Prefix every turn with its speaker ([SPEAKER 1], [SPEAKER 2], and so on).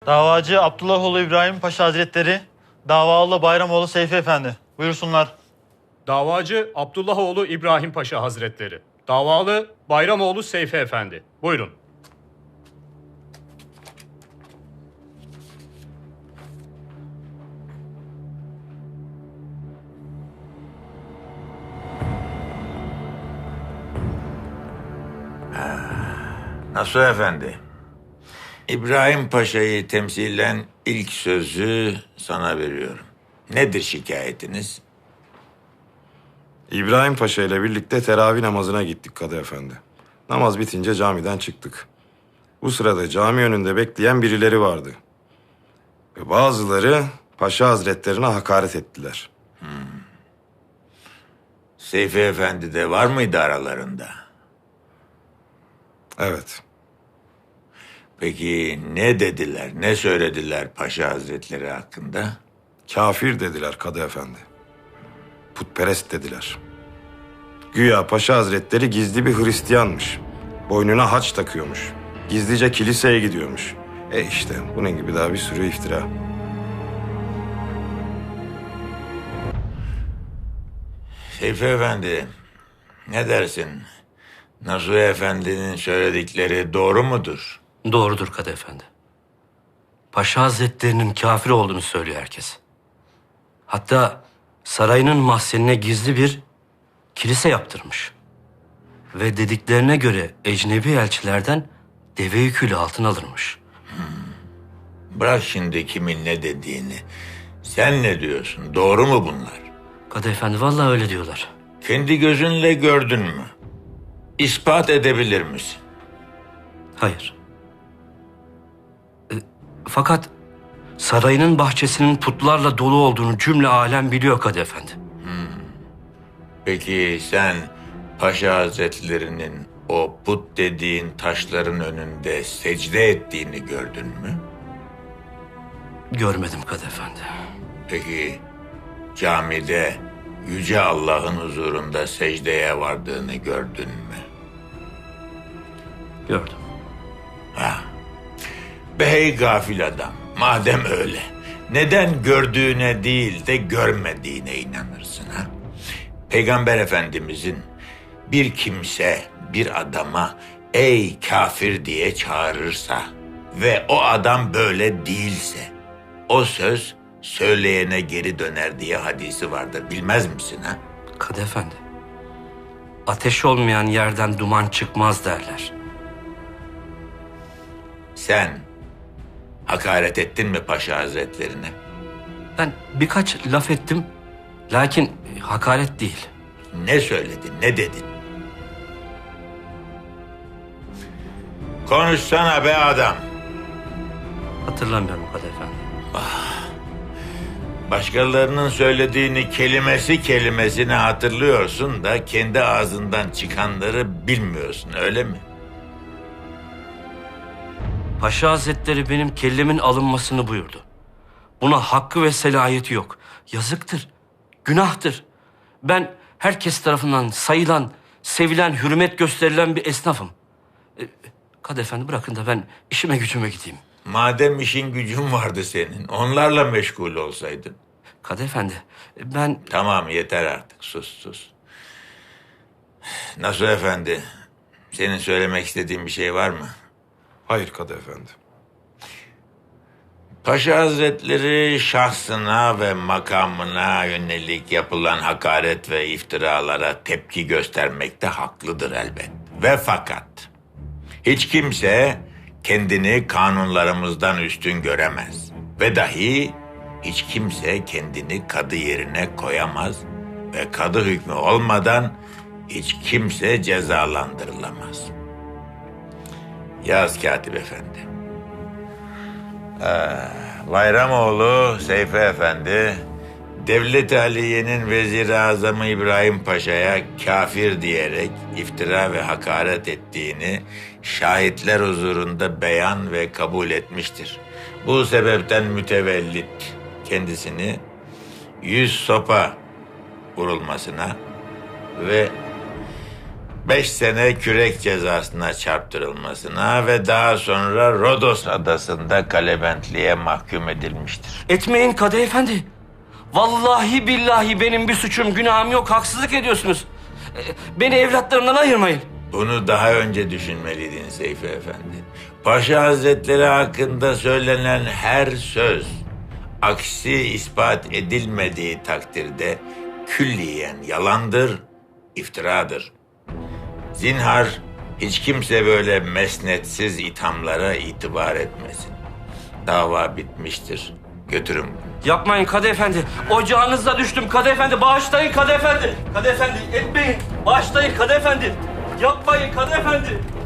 [SPEAKER 1] Davacı Abdullahoğlu İbrahim Paşa Hazretleri, davalı Bayramoğlu Seyfi Efendi. Buyursunlar.
[SPEAKER 2] Davacı Abdullahoğlu İbrahim Paşa Hazretleri. Davalı Bayramoğlu Seyfi Efendi. Buyurun.
[SPEAKER 3] Nasuh Efendi, İbrahim Paşa'yı temsilen ilk sözü sana veriyorum. Nedir şikayetiniz?
[SPEAKER 4] İbrahim Paşa ile birlikte teravih namazına gittik Kadı Efendi. Namaz bitince camiden çıktık. Bu sırada cami önünde bekleyen birileri vardı. Ve bazıları Paşa Hazretlerine hakaret ettiler.
[SPEAKER 3] Seyfi Efendi de var mıydı aralarında?
[SPEAKER 4] Evet,
[SPEAKER 3] Peki ne dediler, ne söylediler Paşa Hazretleri hakkında?
[SPEAKER 4] kafir dediler Kadı Efendi. Putperest dediler. Güya Paşa Hazretleri gizli bir Hristiyanmış. Boynuna haç takıyormuş. Gizlice kiliseye gidiyormuş. İşte bunun gibi daha bir sürü iftira.
[SPEAKER 3] Seyfi Efendi, ne dersin? Nasuh Efendi'nin söyledikleri doğru mudur?
[SPEAKER 5] Doğrudur Kadı Efendi. Paşa Hazretlerinin kafir olduğunu söylüyor herkes. Hatta sarayının mahzenine gizli bir kilise yaptırmış. Ve dediklerine göre ecnebi elçilerden deve yüküyle altın alırmış.
[SPEAKER 3] Bırak şimdi kimin ne dediğini. Sen ne diyorsun? Doğru mu bunlar?
[SPEAKER 5] Kadı Efendi vallahi öyle diyorlar.
[SPEAKER 3] Kendi gözünle gördün mü? İspat edebilir misin?
[SPEAKER 5] Hayır. Fakat sarayının bahçesinin putlarla dolu olduğunu cümle alem biliyor Kadı Efendi.
[SPEAKER 3] Peki sen Paşa Hazretlerinin o put dediğin taşların önünde secde ettiğini gördün mü?
[SPEAKER 5] Görmedim Kadı Efendi.
[SPEAKER 3] Peki camide Yüce Allah'ın huzurunda secdeye vardığını gördün mü?
[SPEAKER 5] Gördüm.
[SPEAKER 3] Bey gafil adam, madem öyle, neden gördüğüne değil de görmediğine inanırsın ha? Peygamber Efendimizin bir kimse bir adama ey kafir diye çağırırsa ve o adam böyle değilse o söz söyleyene geri döner diye hadisi vardır, bilmez misin ha?
[SPEAKER 5] Kadı Efendi, ateş olmayan yerden duman çıkmaz derler.
[SPEAKER 3] Sen hakaret ettin mi Paşa Hazretlerine?
[SPEAKER 5] Ben birkaç laf ettim, lakin hakaret değil.
[SPEAKER 3] Ne söyledin, ne dedin? Konuşsana be adam.
[SPEAKER 5] Hatırlamıyorum Kadı Efendi.
[SPEAKER 3] Başkalarının söylediğini kelimesi kelimesine hatırlıyorsun da kendi ağzından çıkanları bilmiyorsun, öyle mi?
[SPEAKER 5] Paşa Hazretleri benim kellemin alınmasını buyurdu. Buna hakkı ve selahiyeti yok. Yazıktır, günahtır. Ben herkes tarafından sayılan, sevilen, hürmet gösterilen bir esnafım. Kadı Efendi bırakın da ben işime gücüme gideyim.
[SPEAKER 3] Madem işin gücün vardı senin, onlarla meşgul olsaydın.
[SPEAKER 5] Kadı Efendi, ben...
[SPEAKER 3] Tamam, yeter artık, sus. Nasuh Efendi, senin söylemek istediğin bir şey var mı?
[SPEAKER 4] Hayır Kadı Efendi.
[SPEAKER 3] Paşa Hazretleri şahsına ve makamına yönelik yapılan hakaret ve iftiralara tepki göstermekte haklıdır elbet. Ve fakat hiç kimse kendini kanunlarımızdan üstün göremez. Ve dahi hiç kimse kendini kadı yerine koyamaz ve kadı hükmü olmadan hiç kimse cezalandırılamaz. Yaz Katip Efendi. Bayramoğlu Seyfi Efendi, Devlet-i Aliye'nin Vezir-i Azamı İbrahim Paşa'ya kafir diyerek iftira ve hakaret ettiğini şahitler huzurunda beyan ve kabul etmiştir. Bu sebepten mütevellit kendisini 100 sopa vurulmasına ve 5 sene kürek cezasına çarptırılmasına ve daha sonra Rodos adasında kalebentliğe mahkum edilmiştir.
[SPEAKER 5] Etmeyin Kadı Efendi. Vallahi billahi benim bir suçum, günahım yok. Haksızlık ediyorsunuz. Beni evlatlarımdan ayırmayın.
[SPEAKER 3] Bunu daha önce düşünmeliydin Seyfi Efendi. Paşa Hazretleri hakkında söylenen her söz, aksi ispat edilmediği takdirde külliyen yalandır, iftiradır. Zinhar hiç kimse böyle mesnetsiz ithamlara itibar etmesin. Dava bitmiştir. Götürün.
[SPEAKER 5] Yapmayın Kadı Efendi. Ocağınıza düştüm Kadı Efendi. Bağışlayın Kadı Efendi. Kadı Efendi etmeyin. Bağışlayın Kadı Efendi. Yapmayın Kadı Efendi.